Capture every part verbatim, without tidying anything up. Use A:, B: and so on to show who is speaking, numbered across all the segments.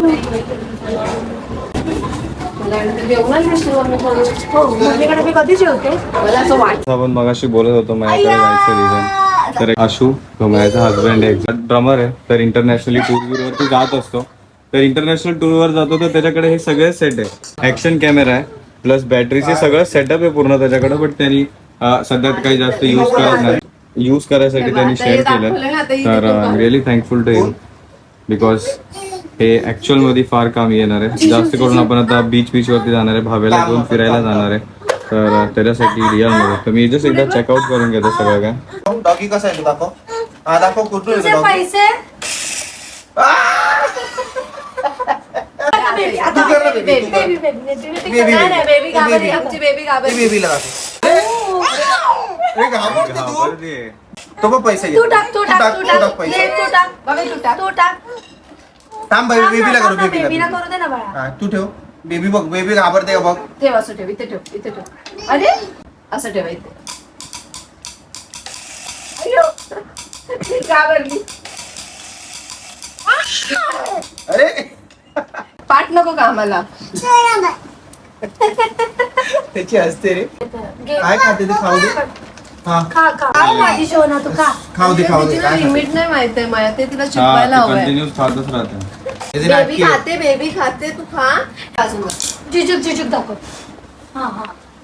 A: आपण मगाशी बोलत होतो माझ्याकडे जायचं रिझन. तर आशू माझा हजबंड आहे, ड्रमर आहे, तर इंटरनॅशनली टूर वरती जात असतो. तर इंटरनॅशनल टूर वर जातो तर त्याच्याकडे हे सगळे सेट आहे. ऍक्शन कॅमेरा आहे प्लस बॅटरीचे सगळं सेटअप आहे पूर्ण त्याच्याकडे. बट त्यांनी सध्या काही जास्त युज करत नाही. यूज करायसाठी त्यांनी शेअर केलं. तर I am really thankful to you because हे ऍक्च्युअल मध्ये फार काम येणार आहे. जास्त करून आपण आता बीच बीच वरती जाणार आहे, भावेला घेऊन फिरायला जाणार आहे. तर त्याच्यासाठी रिअल मध्ये तर मी जस्ट एकदा चेकआउट करून घेतो सगळं काय.
B: डॉगी कसं आहे दाखव. हा दाखव कुठून येतो
C: पैसे
B: तो पण पैसे
C: तू टाक तू टाक तू टाक तू टाक बाबा तू टाक तू टाक
B: थांब बाई बेबीला करू
C: बेबीला करू दे ना बाळा.
B: हा तू ठेव बेबी बघ बेबी घाबरते का बघ.
C: ठेव असं ठेव इथे ठेव इथे ठेव. अरे असं ठेव इथे. अय्यो घाबरली.
B: अरे
C: पाठ नको का आम्हाला.
B: त्याची हसते रे. काय खाते ते खाऊ दे. हा
C: खा खा काय माझी शोना तू खा.
B: खाऊ दे खाऊ दे.
C: लिमिट नाही माहिती आहे मला ते तिला शिकवायला हवंय.
A: कंटिन्यूस खातच राहते.
C: बेबी खाते बेबी खाते तू खा. अजून झिजुक झिजुक दाखव. हा हा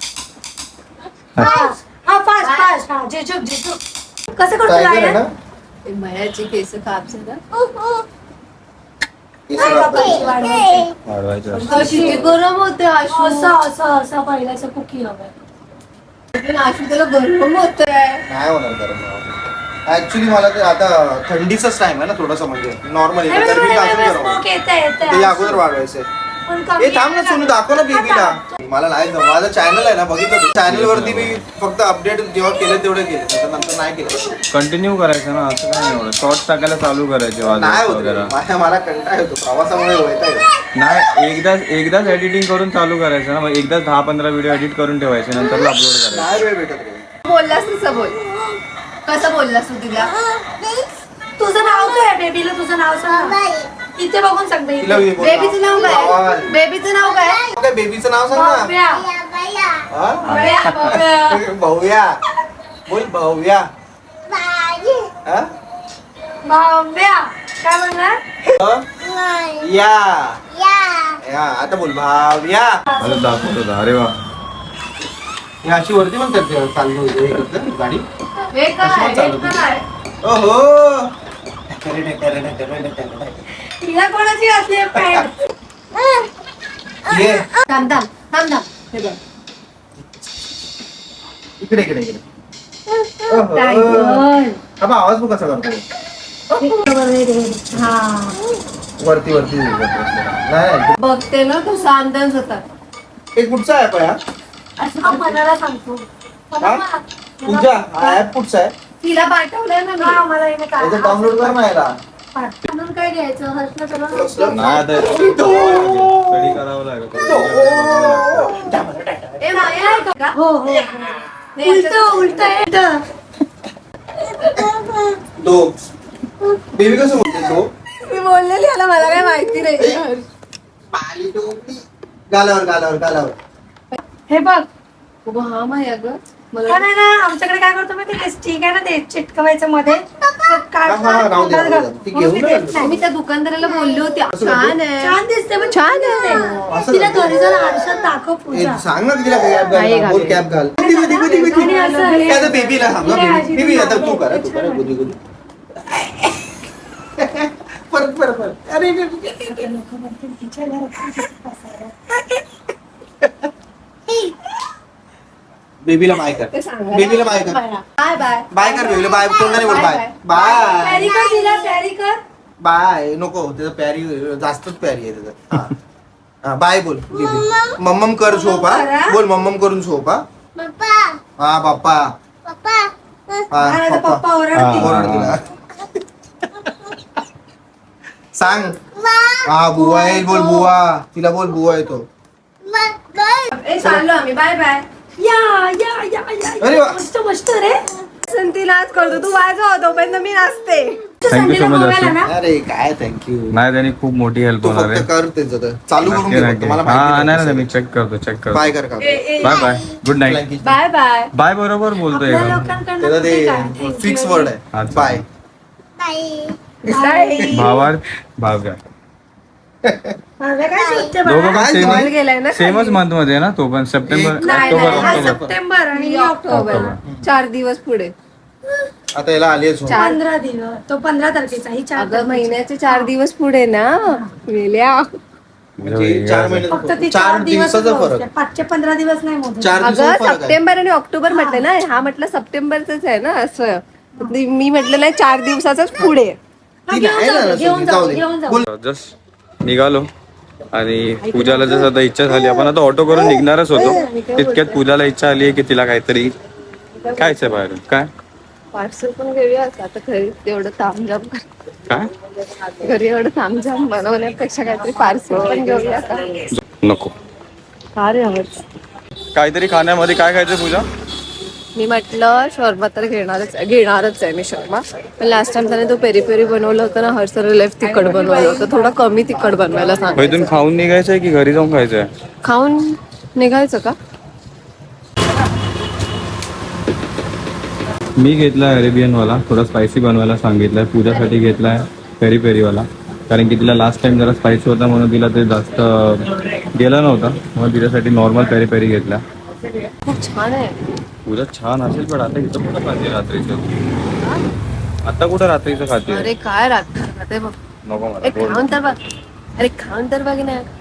C: हा फास्ट फास्ट हा झिजुक झिजुक कसं करतो लायन. मयाची केस काप झाला. कशी गरम होते आशू. असं असं असं पहिल्याचं कुकी हवंय. आशू त्याला गरम होत
B: नाही होणार गरम. ऍक्च्युली मला ते आता थंडीचाच टाइम आहे ना थोडासा म्हणजे नॉर्मली अगोदर वाढवायचंय. हे थांब ना सोनू दाखव ना बेबीला. मला नाही माझं चॅनल आहे ना बघितलं चॅनल वरती मी फक्त अपडेट जेव्हा केलं तेवढं केलं नंतर नाही केलं.
A: कंटिन्यू करायचं ना असं काय एवढं शॉर्ट्स टाकायला चालू करायचे
B: नाही होत मला कंटाळा येतो प्रवासामुळे होत
A: नाही. एकदाच एकदाच एडिटिंग करून चालू करायचं ना. मग एकदाच दहा पंधरा व्हिडिओ एडिट करून ठेवायचे नंतर अपलोड करायचं.
B: नाही वेळ भेटत.
C: बोललास तसं बोल. कसं बोललास तू तिला. तुझं नाव काय बेबीला. तुझं नाव सांग इथे बघून सांग. बेबीचं नाव काय बेबीचं नाव काय
B: बेबीचं नाव सांग ना. भाऊया बोल भाऊया.
C: भाव्या काय म्हणणार.
B: या या आता बोल भाव्या.
A: दाखवत होता. अरे वा
B: या अशी वरती पण करते चालू होते गाडी.
C: हे काय
B: ओहो
C: तिला कोणाची असली पॅन्ट.
B: ये
C: थांब थांब थांब थांब. हे बघ
B: इकडे इकडे इकडे.
C: टायगर.
B: अबा आवाज बघ कसा करतो.
C: हा
B: वरती वरती नाही
C: बघते ना कसा अंदाज होता.
B: हे कुठचा ऍप आहे हा.
C: असं मनाला सांगतो.
B: पूजा हा ऍप कुठचा आहे.
C: तिला पाठवलंय ना मी. मला हे काय
B: डाउनलोड कर ना याला.
C: म्हणून काय घ्यायचं हर्षला सगळं
A: नाही आता स्टडी करावं लागेल.
C: ए माया आहे का. हो हो उलट उलट आहे.
B: दो बेबी कसं बोलते दो.
C: मी बोललेली याला मला काय माहिती नाही.
B: गालावर गालावर गालावर.
C: हे बघ हा माया ग मला नाही ना. आमच्याकडे काय करतो माहिती ते स्टिक आहे ना ते चिटकवायचं मध्ये. मी त्या दुकानदाराला बोलली होती छान आहे छान दिसते पण छान आहे. तिला घरी जर आरशात दाखव पूजा.
B: सांग ना तिला कॅप घाल. बोल कॅप घाल. बेबीला सांग बेबी आता तू कर तू कर गुदी गुदी. परत परत परत. अरे बेबीला बाय कर. बेबीला बाय कर.
C: बाय बाय
B: बाय कर बेबीला बाय. तोंडाने बोल बाय बाय.
C: प्यारी कर तिला प्यारी कर.
B: बाय नको त्याचं प्यारी जास्तच प्यारी आहे त्याचं. हा बाय बोल बेबी. मम्मम कर झोप हा. बोल मम्मम करून झोप हा. हा बाप्पा
C: पप्पा ओरडतील.
B: सांग हा बुवा आहे. बोल बुवा. तिला बोल बुवा येतो.
C: चाललो आम्ही बाय बाय. या या या या मस्त मस्त रे. संती नाच करतो तू वाजव तोपर्यंत मी नाचते.
A: Thank you so much Ashu.
B: अरे काय थँक्यू.
A: नाही त्यांनी खूप मोठी हेल्प
B: तू
A: होणार
B: फक्त
A: आहे.
B: कर त्याचं तर. चालू करून
A: नक्की,
B: घे
A: नक्की.
B: फक्त. मला
A: हा
B: माहिती
A: नाही नाही
B: नाही
A: मी चेक करतो चेक करतो.
B: बाय कर का
A: bye bye good night.
C: Bye bye.
A: Bye बरोबर बोलतोय
C: आपल्या
A: का?
C: लोकांकडनं
B: त्याला
C: कुठे काय?
B: ते
C: Thank
B: फिक्स
C: you.
B: वर्ड आहे
A: अच्छा.
B: बाय.
C: Bye.
A: भावार्थ भाव्या
C: भाव्या काय शिकते
A: दोघं
C: बाळा?
A: पण
C: Ball गेलाय ना
A: सेम सेमच
C: खाली.
A: मंथ मध्ये आहे ना तो पण सप्टेंबर
B: एक-
C: नाही
A: ऑक्टोबर
C: नाही, हा
A: ऑक्टोबर
C: सप्टेंबर आणि ही ऑक्टोबर.
A: ऑक्टोबर.
C: चार दिवस पुढे.
B: आता याला आली आहे
C: चार-
D: पंधरा दिवस तो पंधरा तारखेचा ही चार
C: अगं महिन्याचे चार दिवस पुढे ना गेल्या.
B: म्हणजे चार
D: फक्त
B: महिने
D: ती
B: चार दिवसाचा फरक.
D: पाचशे पंधरा दिवस नाही मोजत.
B: चार
C: अगं
B: दिवसाचा फरक आहे.
C: सप्टेंबर आणि ऑक्टोबर म्हटलं ना हा म्हटलं सप्टेंबरच आहे ना असं. मी म्हटलं नाही चार दिवसाचाच पुढे.
D: हा,
B: ती
D: घेऊन
B: नाही
D: जाऊ
B: ना,
D: दे, घेऊन
B: जाऊ
D: जाऊ
B: दे.
D: घेऊन जाऊ
B: बोल.
A: जस्ट निघालो आणि पूजाला जसं आता इच्छा झाली आपण आता ऑटो करून निघणारच होतो तितक्यात पूजाला इच्छा आली की तिला काहीतरी खायचंय बाहेर. काय
C: पार्सल पण घेऊया आता घरी तेवढं तामझाम कर-
A: काय
C: घरी एवढं तामझाम बनवण्यापेक्षा काहीतरी पार्सल पण घेऊया का?
A: नको
C: का रे हवंच.
A: काहीतरी खाण्यामध्ये काय खायचं पूजा?
C: मी म्हटलं शॉर्मा तर घेणारच घेणारच आहे मी शॉर्मा. पण लास्ट टाइम त्याने तो पेरी पेरी बनवलं होतं ना हर सर लेफ्ट तिखट बनवलं होतं. थोडं कमी तिखट बनवायला
A: इथून
C: सांगितलं.
A: खाऊन निघायचंय की घरी जाऊन खायचंय?
C: खाऊन निघायचं का?
A: मी घेतलाय अरेबियन वाला थोडा स्पायसी बनवायला सांगितलाय. पूजासाठी घेतलाय पेरी पेरी वाला कारण की तिला लास्ट टाइम जरा स्पायसी होता म्हणून तिला ते जास्त गेला नव्हता म्हणून तिच्यासाठी नॉर्मल पेरी पेरी घेतला.
C: खूप छान आहे.
A: पूजा छान असेल पण आता इथं कुठं खाते रात्रीचं? आता कुठं रात्रीचं खाते?
C: अरे काय राहते खाते बघ.
A: नको मला
C: अरे
A: गोड.
C: खाऊन तर बघ. अरे खाऊन तर बघ ना.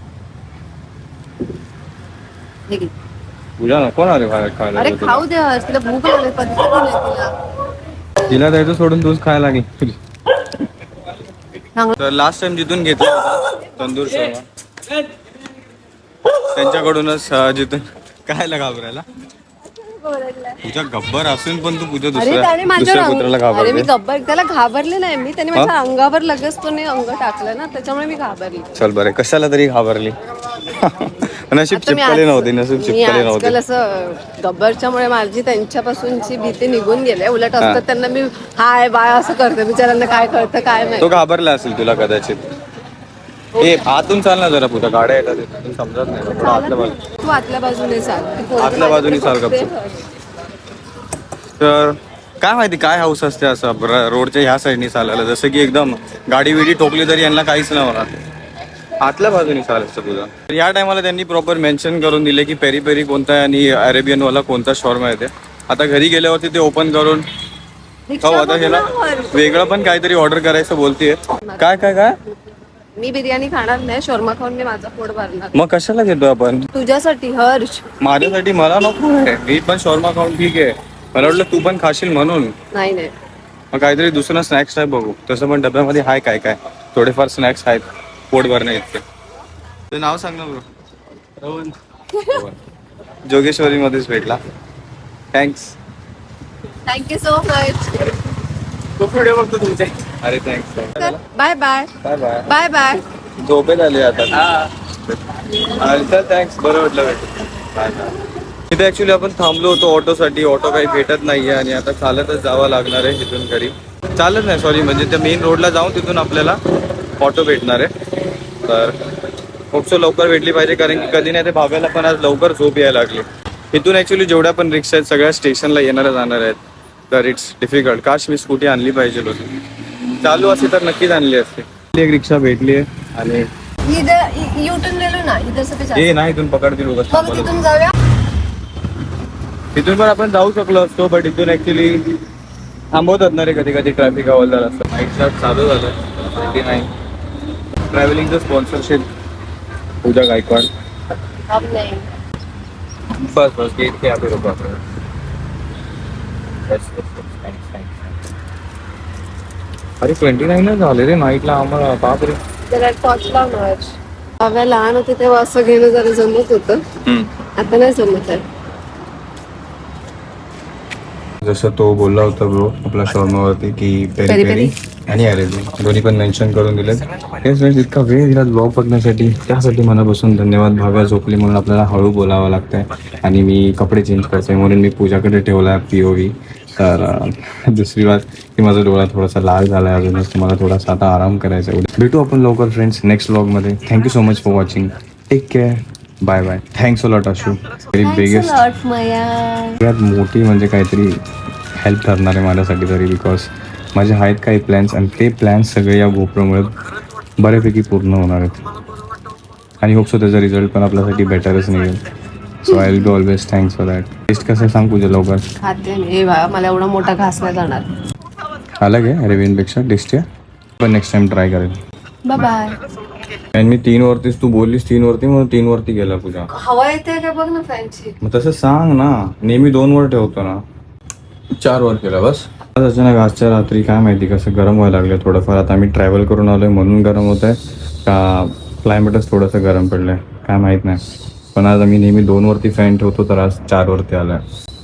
C: हे घे.
A: पूजा नको ना रे बाहेर खायला
C: अरे
A: तुला.
C: खाऊ दे हर्ष, तिला भूक लागली पण तिला.
A: तिला द्यायचं सोडून तूच खायला लागेल.
C: चांगलं.
A: तर लास्ट टाइम जिथून घेतला होता तंदूर शर्मा त्यांच्याकडूनच अं, जिथून खायला घाबरायला. तुझ्या गब्बर असून पण तू पूजा
C: अरे
A: दुसऱ्या
C: त्याने माझ्या
A: दुसऱ्या कुत्र्याला
C: अरे मी
A: घाबरते.
C: गब्बर त्याला घाबरले नाही मी. त्याने माझ्या अंगावर लगेच तो अंग टाकलं ना त्याच्यामुळे मी घाबरली.
A: चल बरं कशाला तरी घाबरली. नशीब
C: आता मी
A: चिपकले
C: आज-
A: नव्हते नशीब
C: मी
A: चिपकले
C: आजकाल
A: नव्हते.
C: असं गब्बरच्यामुळे माझी त्यांच्यापासूनची भीती निघून गेली. उलट असतं त्यांना मी हाय बाय असं करते. बिचारांना काय कळतं काय
A: तो
C: नाही.
A: घाबरला असेल तुला कदाचित. ए आतून चाल ना जरा पुढे गाड्या येतात तिथून समजत नाही थोडं आतल्या बाजू
C: तू आतल्या बाजूने चाल. ती पोरगी
A: आतल्या बाजूने चाल
C: माझ्याकडे
A: गपचूप.
C: बघते.
A: तर काय माहिती काय हाऊस असते असं र- रोडच्या ह्या साईडनी चालायला जसं की एकदम गाडी विडी ठोकली तरी यांना काहीच नाही होणार. आतल्या बाजूने चालायचं तुझं. तर या टायमाला त्यांनी प्रॉपर मेन्शन करून दिले की पेरी पेरी कोणता आहे आणि अरेबियन वाला कोणता शॉर्मा येते. आता घरी गेल्यावरती ते ओपन करून
C: रिक्षा
A: हो आता
C: बघ
A: ह्याला
C: ना वर.
A: वेगळं पण काहीतरी ऑर्डर करायचं बोलतीये. काय काय काय
C: मी बिर्याणी खाणार नाही. शॉर्मा खाऊन मी माझा पोट भरणार.
A: मग कशाला घेतो आपण?
C: तुझ्यासाठी हर्ष.
A: माझ्यासाठी मला नको आहे. मी पण शॉर्मा खाऊन ठीक आहे. मला वाटलं तू पण खाशील म्हणून.
C: नाही नाही
A: मग काहीतरी दुसरं स्नॅक्स टाईप बघू. तसं पण डब्यामध्ये हाय काय काय थोडेफार स्नॅक्स आहेत पोट भरण्या इतके. ते नाव सांग ना ब्रो. जोगेश्वरी मध्येच भेटला. थँक्स.
C: Thank you so much.
A: अरे thanks.
C: Bye bye
A: bye bye.
C: Bye bye.
A: झोपेत आले आता. अरे चल थँक्स बरं वाटलं भेटून. Bye bye. इथे ऍक्च्युली आपण थांबलो होतो ऑटोसाठी. ऑटो काही भेटत नाहीये आणि आता चालतच जावं लागणार आहे इथून घरी. चालत नाही सॉरी म्हणजे त्या मेन रोडला जाऊन तिथून आपल्याला ऑटो भेटणार आहे. तर खूप सो लवकर भेटली पाहिजे कारण की कधी नाही ते भाव्याला पण आज लवकर झोप यायला लागली. इथून ऍक्च्युली जेवढ्या पण रिक्षा आहेत सगळ्या स्टेशनला येणाऱ्या जाणार आहेत. तर इट्स डिफिकल्ट. काश मी स्कूटी आणली पाहिजे होती. चालू असती तर नक्कीच आणली असते. एक रिक्षा भेटली आहे आणि
C: इथं युटर्न गेलो ना इथं सगळं
A: हे नाही इथून पकडतील उगाच.
C: मग तिथून जाऊया.
A: इथून पण आपण जाऊ शकलो असतो बट इथून ऍक्च्युली थांबवतात ना रे कधी कधी ट्रॅफिक हवालदार असतं. नाईट स्टार्ट चालू झालं ट्वेंटी नाईन. ट्रॅव्हलिंगचं स्पॉन्सरशिप पूजा गायकवाड.
C: अब नाही.
A: बस बस गेट के आगे रुको आपण. Yes, yes, yes. Thanks, thanks, thanks. अरे ट्वेंटी नाईनच झाले रे नाईटला आम्हाला. बाप रे.
C: जरा टॉर्च लावणार. बाबा लहान होते तेव्हा असं घेणं जरा जमत होतं. आता नाही जमत आहे.
A: जसं तो बोलला होता ब्रो आपला शॉर्मावरती की पेरी
C: पेरी
A: पेरी आणि अरेबियन दोन्ही पण मेन्शन करून दिले. तेच फ्रेंड्स इतका वेळ दिला ब्लॉग बघण्यासाठी त्यासाठी मनापासून धन्यवाद. भाव्या झोपली म्हणून आपल्याला हळू बोलावं लागतंय आणि मी कपडे चेंज करते म्हणून मी पूजाकडे ठेवला पी ओ व्ही तर अं, दुसरी बात की माझा डोळा थोडासा लाल झाला आहे अजूनच, तुम्हाला थोडासा आता आराम करायचा आहे. भेटू आपण लवकर फ्रेंड्स नेक्स्ट व्लॉगमध्ये. Thank you so much for watching. Take care. Bye bye. Thanks a lot Ashu. Very biggest सगळ्यात मोठी म्हणजे काहीतरी हेल्प ठरणार आहे माझ्यासाठी तरी, बिकॉज माझे आहेत काही प्लॅन्स आणि ते प्लॅन्स सगळे या गोप्रोमुळे बऱ्यापैकी पूर्ण होणार आहेत आणि होप सो त्याचा रिझल्ट पण आपल्यासाठी बेटरच निघेल. So I will be always thanks for that. Test कसं आहे सांग पूजा लवकर.
C: खाते मी. हे बघा, मला एवढा मोठा घास नाही जाणार.
A: अलग आहे रेव्हिनपेक्षा टेस्टी आहे, पण नेक्स्ट टाइम ट्राय करेल.
C: Bye bye.
A: आणि मी तीन वरतीच, तू बोललीस तीन वरती म्हणून तीन वरती गेला पूजा.
C: हवा येते का बघ ना फॅनची.
A: मग तसं सांग ना, नेहमी दोन वर ठेवतो ना. चार वर केला बस. आज अचानक आजच्या रात्री काय माहिती कसं गरम व्हायला लागलं थोडंफार. आता आम्ही ट्रॅव्हल करून आलोय म्हणून गरम होत आहे का क्लायमेटच थोडंसं गरम पडलंय काय माहीत नाही. पण आज आम्ही नेहमी दोन वरती फॅन ठेवतो तर आज चार वरती आलाय.